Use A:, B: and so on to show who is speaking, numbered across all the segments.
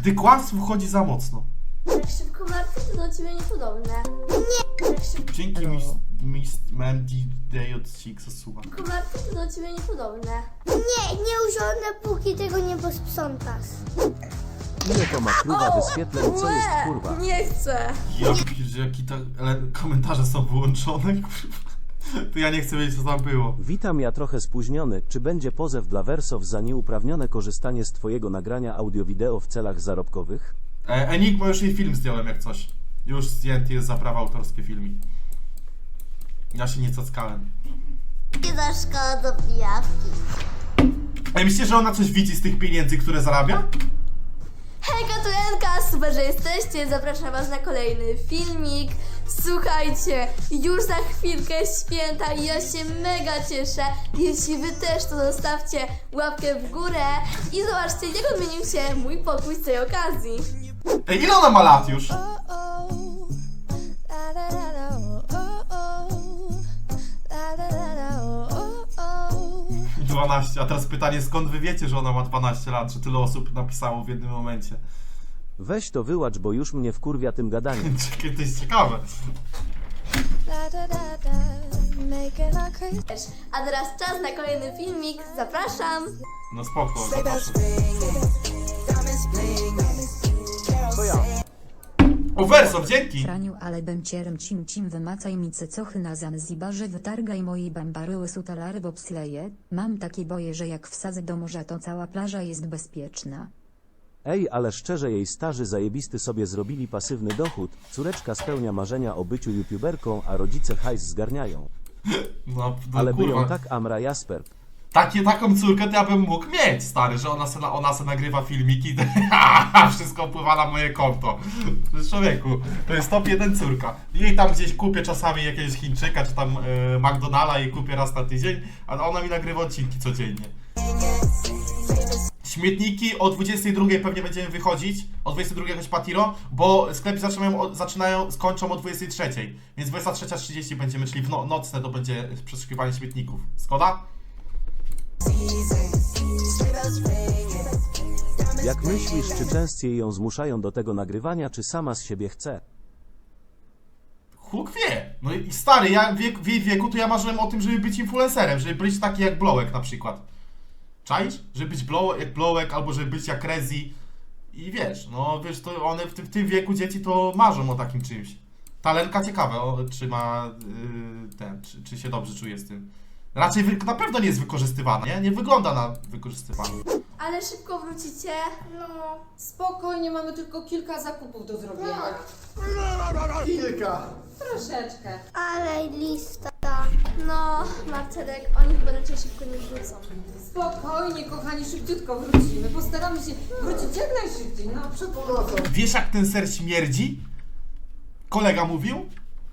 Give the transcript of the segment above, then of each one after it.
A: Gdy kłamstwo wchodzi za mocno.
B: Tak szybko martwy to do ciebie niepodobne. Nie! Tak szybko
A: Dzięki Mandy Day od Six suba.
B: martwy to do ciebie niepodobne.
C: Nie usiądę, póki tego nie posprzątasz.
D: Ile to ma kurwa wyświetleń, co jest kurwa?
B: Nie chcę!
A: Ja pierdolę, jaki to... Ale komentarze są wyłączone, kurwa. To ja nie chcę wiedzieć, co tam było.
D: Witam, ja trochę spóźniony. Czy będzie pozew dla Wersow za nieuprawnione korzystanie z twojego nagrania audio-wideo w celach zarobkowych?
A: Enigma, już jej film zdjąłem jak coś. Już zdjęty jest za prawa autorskie filmik. Ja się nie cackałem.
C: Nie za szkoda do pijawki.
A: A myślicie, że ona coś widzi z tych pieniędzy, które zarabia?
B: Hejka, tu Enka, super, że jesteście, zapraszam was na kolejny filmik. Słuchajcie, już za chwilkę święta i ja się mega cieszę. Jeśli wy też, to zostawcie łapkę w górę i zobaczcie, jak odmienił się mój pokój z tej okazji.
A: Ej, ile ona ma lat już? 12, a teraz pytanie, skąd wy wiecie, że ona ma 12 lat, że tyle osób napisało w jednym momencie?
D: Weź to wyłacz, bo już mnie wkurwia tym gadaniem.
A: Czekaj, to jest ciekawe.
B: A teraz czas na kolejny filmik, zapraszam.
A: No spoko, zobaczmy.
D: To ja.
A: O, Wersow, dzięki!
E: Franiu, ale bemcierem cim wymacaj mi cycochy na Zanzibarze, wytargaj mojej bambaryły sutalary bobsleje. Mam takie boje, że jak wsadzę do morza, to cała plaża jest bezpieczna.
D: Ej, ale szczerze, jej starzy zajebisty sobie zrobili pasywny dochód. Córeczka spełnia marzenia o byciu youtuberką, a rodzice hajs zgarniają.
A: No,
D: Ale by ją
A: kurwa.
D: tak Amra Jasper.
A: Taką córkę to ja bym mógł mieć, stary, że ona se nagrywa filmiki i wszystko wpływa na moje konto. Człowieku, to jest top 1 córka. Jej tam gdzieś kupię czasami jakiegoś Chińczyka, czy tam McDonalda i kupię raz na tydzień, a ona mi nagrywa odcinki codziennie. Śmietniki o 22 pewnie będziemy wychodzić, o 22 jakoś patiro, bo sklepy skończą o 23, więc 23:30 będziemy, czyli nocne to będzie przeszukiwanie śmietników. Zgoda?
D: Jak myślisz, czy częściej ją zmuszają do tego nagrywania, czy sama z siebie chce?
A: Huk wie. No i stary, ja w jej wieku to ja marzyłem o tym, żeby być influencerem, żeby być taki jak Blowek na przykład. Czaisz? Żeby być jak Blowek, albo żeby być jak Rezi. I wiesz, no wiesz, to one w tym wieku dzieci to marzą o takim czymś. Talenka ciekawe, czy ma czy się dobrze czuje z tym. Raczej na pewno nie jest wykorzystywana, nie? Nie wygląda na wykorzystywaną.
B: Ale szybko wrócicie?
C: No.
F: Spokojnie, mamy tylko kilka zakupów do zrobienia.
A: Kilka.
F: Troszeczkę.
C: Ale lista.
B: No, Marcelek, oni chyba raczej szybko nie wrócą.
F: Spokojnie, kochani, szybciutko wrócimy. Postaramy się wrócić jak najszybciej. No, przepraszam.
A: Wiesz jak ten ser śmierdzi? Kolega mówił?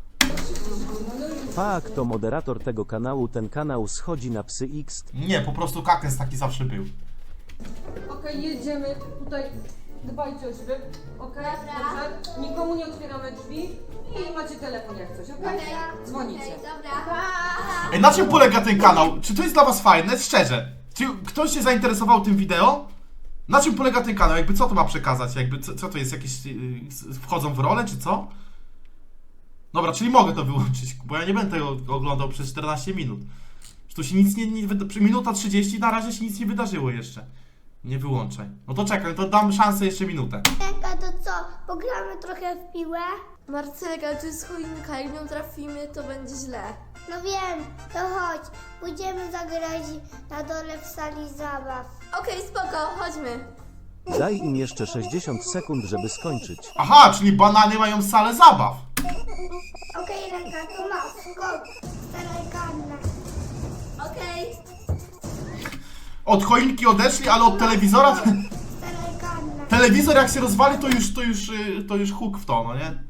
D: Fak, to moderator tego kanału, ten kanał schodzi na psy X.
A: Nie, po prostu kakens taki zawsze był.
F: Okej, jedziemy. Tutaj dbajcie o siebie. Okej, dobrze. Nikomu nie otwieramy drzwi. I macie telefon jak coś, okej? Dzwonicie.
B: Dobra.
A: Ej, na czym polega ten kanał? Czy to jest dla was fajne? Szczerze. Czy ktoś się zainteresował tym wideo? Na czym polega ten kanał? Jakby co to ma przekazać? Jakby co to jest? Jakieś wchodzą w rolę, czy co? Dobra, czyli mogę to wyłączyć, bo ja nie będę tego oglądał przez 14 minut. Że tu się nic minuta 30, na razie się nic nie wydarzyło jeszcze. Nie wyłączaj. No to czekaj, to dam szansę jeszcze minutę.
C: Czeka, to co? Pogramy trochę w piłę?
B: Marcelek, ale to jest choinka, jak w nią trafimy, to będzie źle.
C: No wiem, to chodź. Pójdziemy zagrać na dole w sali zabaw.
B: Okej, spoko, chodźmy.
D: Daj im jeszcze 60 sekund, żeby skończyć.
A: Aha, czyli banany mają salę zabaw.
C: Okej, ręka, to masz. Skok. Staraj karne.
B: Okej.
A: Od choinki odeszli, ale od telewizora...
C: Staraj karne.
A: Telewizor jak się rozwali, to już huk w to, no nie?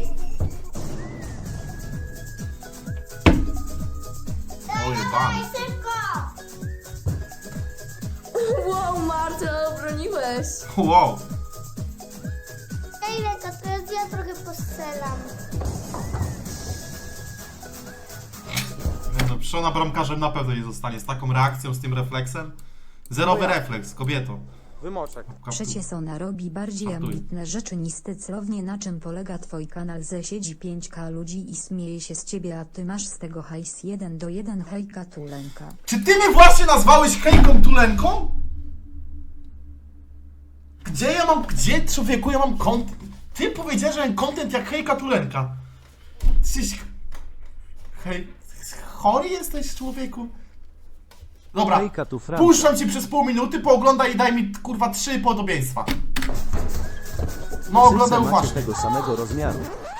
A: Oj, ban.
C: Szybko!
B: Wow, Marcel, obroniłeś.
A: Wow.
C: Ej, ręka, teraz ja trochę postrzelam.
A: Nie no, Przona bramkarzem na pewno nie zostanie z taką reakcją, z tym refleksem. Zerowy refleks, kobieto.
G: Wymoczek.
E: Przecież ona robi bardziej
A: Żartuję.
E: ambitne rzeczy niż ty, celownie na czym polega twój kanał, ze siedzi 5K ludzi i śmieje się z ciebie, a ty masz z tego hajs 1:1. Hejka Tulenka.
A: Czy ty mnie właśnie nazwałeś hejką tulenką? Gdzie człowieku ja mam content? Ty powiedziałeś, że mam content jak hejka tulenka. Jesteś... Chory jesteś, człowieku? Dobra,
D: Hejka tu Franka.
A: puszczam ci przez pół minuty, pooglądaj i daj mi kurwa 3 podobieństwa. No oglądaj
D: Wszyscy macie
A: uważnie.
D: tego samego rozmiaru.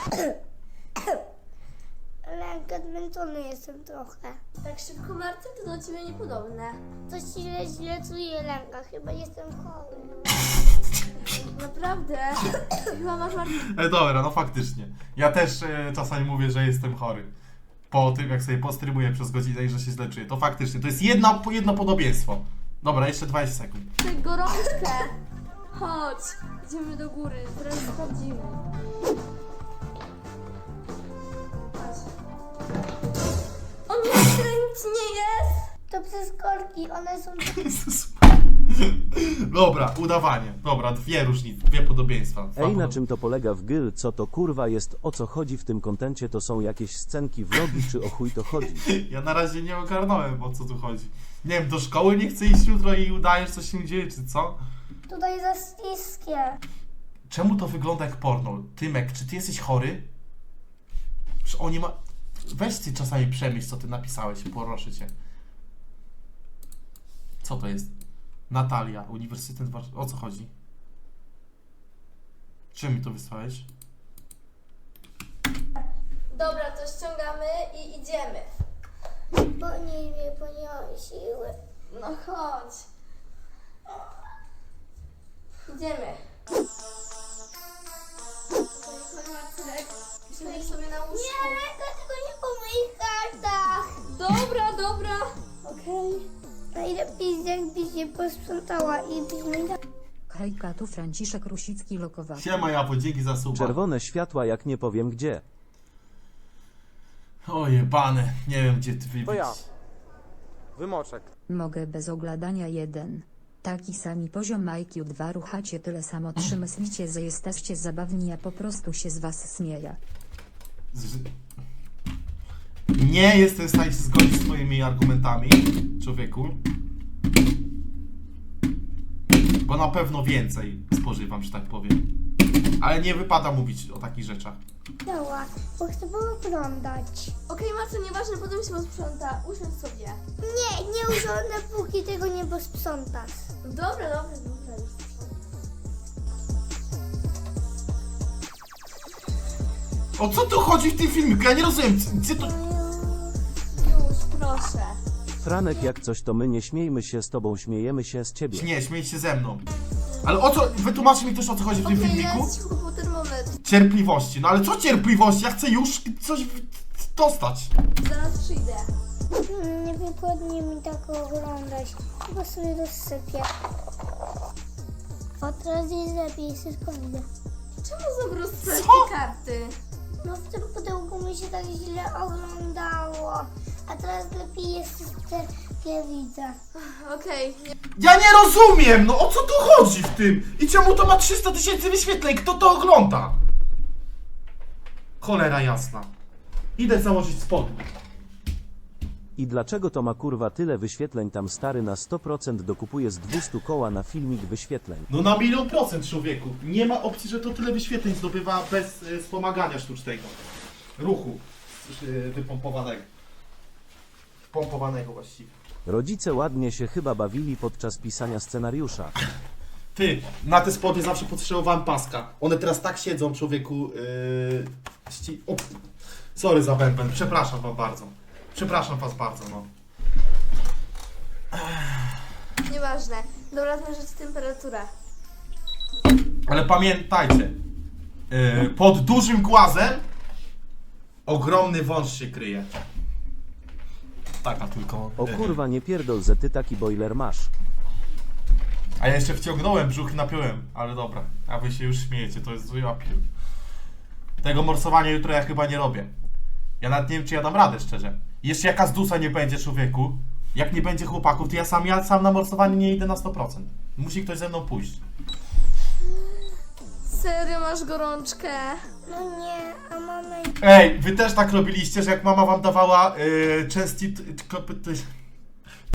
C: Lenka, zmęczony jestem trochę.
B: Tak szybko, Marcin, to do ciebie niepodobne.
C: Coś źle czuję, Lenka. Chyba jestem chory.
B: Naprawdę? Chyba masz Marcin.
A: Dobra, no faktycznie. Ja też czasami mówię, że jestem chory. Po tym, jak sobie postrymuję przez godzinę i że się źle czuję. To faktycznie, to jest jedno podobieństwo. Dobra, jeszcze 20 sekund.
B: Tę gorączkę. Chodź, idziemy do góry, teraz sprawdzimy. Chodź. O nie, tyle nic nie jest.
C: To przez korki, one są...
A: Jezus. Dobra, udawanie. Dobra, dwie podobieństwa.
D: Ej, na czym to polega w gyl? Co to kurwa jest? O co chodzi w tym kontencie? To są jakieś scenki, vlogi, czy o chuj to chodzi?
A: Ja na razie nie ogarnąłem, o co tu chodzi. Nie wiem, do szkoły nie chcę iść jutro i udajesz, co się dzieje, czy co?
C: Tutaj za śliskie.
A: Czemu to wygląda jak porno? Tymek, czy ty jesteś chory? Przecież oni ma... Weź ty czasami przemyśl, co ty napisałeś, proszę cię. Co to jest? Natalia, Uniwersytet Warszawy. O co chodzi? Czym mi to wysłałeś?
B: Dobra, to ściągamy i idziemy.
C: Podnieś mnie, bo nie mam siły.
B: No chodź. Idziemy. Chodź, Marcynek. Siądziesz sobie na łóżku.
C: Nie, Lenka, tylko nie po moich kartach.
B: Dobra. Okej.
C: Najlepiej jakbyś się posprzątała i byś mi dała.
E: Hejka tu Franciszek Rusicki lokowaty.
A: Siema Japo, dzięki za suba.
D: Czerwone światła, jak nie powiem gdzie.
A: O jebane, nie wiem gdzie ty wybić.
G: To ja. Wymoczek.
E: Mogę bez ogladania 1. Taki sami poziom IQ 2, ruchacie tyle samo 3, myślicie, że jesteście zabawni, ja po prostu się z was śmieję.
A: Nie jestem w stanie się zgodzić z twoimi argumentami, człowieku. Bo na pewno więcej spożywam, że tak powiem. Ale nie wypada mówić o takich rzeczach.
C: Dała, bo chcę pooglądać.
B: Okej, Marcin, nieważne, potem się posprząta. Usiądź sobie.
C: Nie usiądę, póki tego nie posprzątasz.
B: Dobra.
A: O co tu chodzi w tym filmiku? Ja nie rozumiem, gdzie to...
B: Już, proszę.
D: Franek, jak coś to my nie śmiejmy się z tobą, śmiejemy się z ciebie.
A: Nie, śmiej się ze mną. Ale o co... Wytłumaczcie mi też, o co chodzi w tym
B: Okej,
A: filmiku?
B: ja ci kupuję termometr.
A: Cierpliwości. No ale co cierpliwości? Ja chcę już coś dostać.
B: Zaraz przyjdę.
C: Nie wygodnie mi tak oglądać. Chyba sobie rozsypię. O, teraz jest lepiej, wszystko widzę.
B: Czemu zabrał swoje
A: Co?
B: karty?
C: No w tym pudełku mi się tak źle oglądało. A teraz lepiej jest wszystko, jak widzę.
B: Okej.
A: Ja nie rozumiem! No o co tu chodzi w tym? I czemu to ma 300 000 wyświetleń? Kto to ogląda? Cholera jasna. Idę założyć spodnie.
D: I dlaczego to ma kurwa tyle wyświetleń? Tam stary na 100% dokupuje z 200 koła na filmik wyświetleń.
A: No na 1.000.000, człowieku. Nie ma opcji, że to tyle wyświetleń zdobywa bez wspomagania sztucznego. Ruchu wypompowanego. Pompowanego właściwie.
D: Rodzice ładnie się chyba bawili podczas pisania scenariusza.
A: Ty, na te spodnie zawsze potrzebowałem paska. One teraz tak siedzą, człowieku. O, sorry za bęben, przepraszam wam bardzo. Przepraszam was bardzo, no.
B: Nieważne. Dobra, zmierzyć temperaturę.
A: Ale pamiętajcie, pod dużym głazem ogromny wąż się kryje. Taka tylko.
D: O kurwa, nie pierdol, że ty taki boiler masz.
A: A ja jeszcze wciągnąłem brzuch i napiąłem, ale dobra. A wy się już śmiejecie, to jest zły apiel. Tego morsowania jutro ja chyba nie robię. Ja nawet nie wiem, czy ja dam radę, szczerze. Jeszcze jaka zdusa nie będzie, człowieku. Jak nie będzie chłopaków, to ja sam na morsowanie nie idę na 100%. Musi ktoś ze mną pójść.
B: Serio masz gorączkę?
C: No nie, a mama...
A: Ej, wy też tak robiliście, że jak mama wam dawała